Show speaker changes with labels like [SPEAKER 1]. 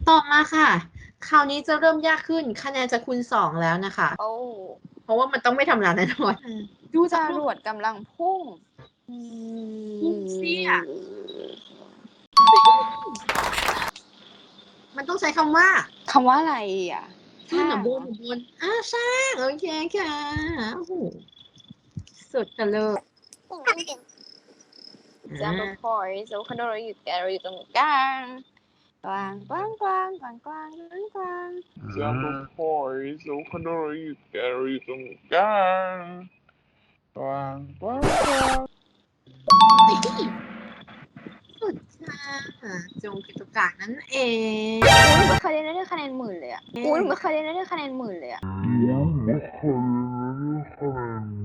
[SPEAKER 1] ต่อมาค่ะคราวนี้จะเริ่มยากขึ้นคะแนนจะคูณ2แล้วนะคะ
[SPEAKER 2] โอ้
[SPEAKER 1] เพราะว่ามันต้องไม่ธรรมดาแน่นอนดู
[SPEAKER 2] จ
[SPEAKER 1] จากรูป
[SPEAKER 2] รวดกำลังพุ่ง
[SPEAKER 1] พุ่งเสียมันต้องใช้คำว่า
[SPEAKER 2] คำว่าอะไรอ่ะ
[SPEAKER 1] ขึ้นหรือบ
[SPEAKER 2] สร้างเหรอ
[SPEAKER 1] นสร้างโอเคค่ะโอ้โหสุดกันเลย
[SPEAKER 2] Jumbo Point แล้วคอนโดเราอยู่ตรงกลางกลางกลางกลางกลางกลางกลางกลาง
[SPEAKER 3] Jumbo Boys, o Canary, Gary, Gang. Quang, quang, quang.
[SPEAKER 1] สุดค่ะจงกิจกากนั่นเอง
[SPEAKER 2] อุ้ยไม่เคยได้คะแนนหมื่นเลยอ่ะอุ้ยไม่เคยได้คะแนนหมื่นเลยอ่ะ
[SPEAKER 3] Quang, quang.